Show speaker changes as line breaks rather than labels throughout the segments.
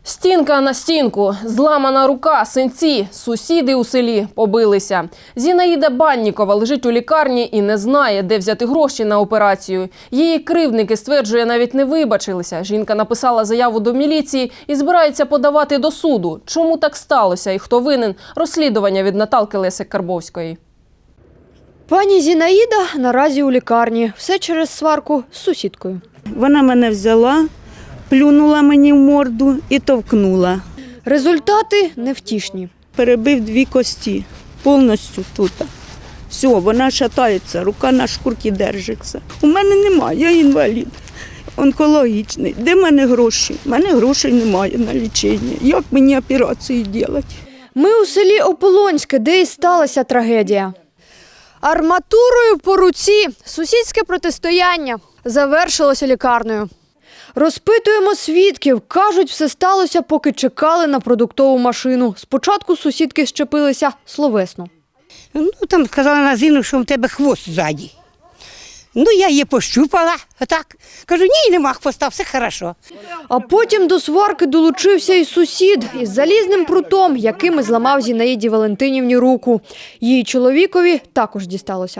Стінка на стінку, зламана рука, синці, сусіди у селі побилися. Зінаїда Баннікова лежить у лікарні і не знає, де взяти гроші на операцію. Її кривдники, стверджує, навіть не вибачилися. Жінка написала заяву до міліції і збирається подавати до суду. Чому так сталося і хто винен? Розслідування від Наталки Лесик-Карбовської.
Пані Зінаїда наразі у лікарні. Все через сварку з сусідкою.
Вона мене взяла, плюнула мені в морду і товкнула.
Результати невтішні.
Перебив 2 кості, повністю тут. Все, вона шатається, рука на шкурці держиться. У мене немає, я інвалід, онкологічний. Де в мене гроші? У мене грошей немає на лічення. Як мені операцію робити?
Ми у селі Ополонське, де і сталася трагедія. Арматурою по руці сусідське протистояння завершилося лікарнею. Розпитуємо свідків. Кажуть, все сталося, поки чекали на продуктову машину. Спочатку сусідки щепилися словесно.
Ну, там сказала на Зіну, що в тебе хвост ззаді. Ну, я її пощупала, отак. Кажу, ні, нема хвоста, все хорошо.
А потім до сварки долучився і сусід із залізним прутом, яким і зламав Зінаїді Валентинівні руку. Її чоловікові також дісталося.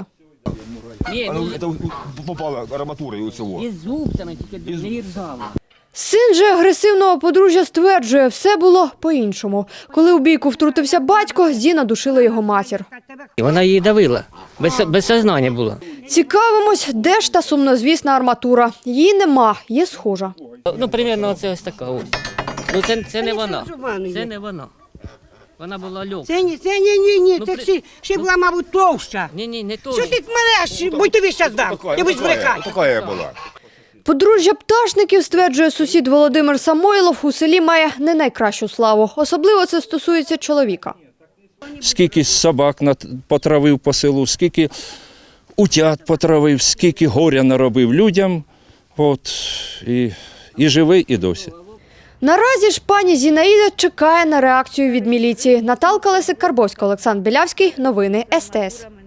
Это попала арматура у цього.
І зуб там, тільки не різала.
Син же агресивного подружжя стверджує, все було по-іншому. Коли у бійку втрутився батько, Зіна душила його матір.
І вона її давила, без сознання була.
Цікавимось, де ж та сумнозвісна арматура. Її нема, є схожа.
Ну, примерно це ось така ось. Ну, це не вона, це не вона. Вона була легка.
Це ні,
Ну,
це ще була, мабуть, товща.
Ні, не то.
Що ти мене, будь тобі зараз дам, я будь збрехати.
Така я була.
Подружжя Пташників, стверджує сусід Володимир Самойлов, у селі має не найкращу славу. Особливо це стосується чоловіка.
Скільки собак потравив по селу, скільки утят потравив, скільки горя наробив людям. От, і живий, і досі.
Наразі ж пані Зінаїда чекає на реакцію від міліції. Наталка Лесик-Карбовська, Олександр Білявський. Новини СТС.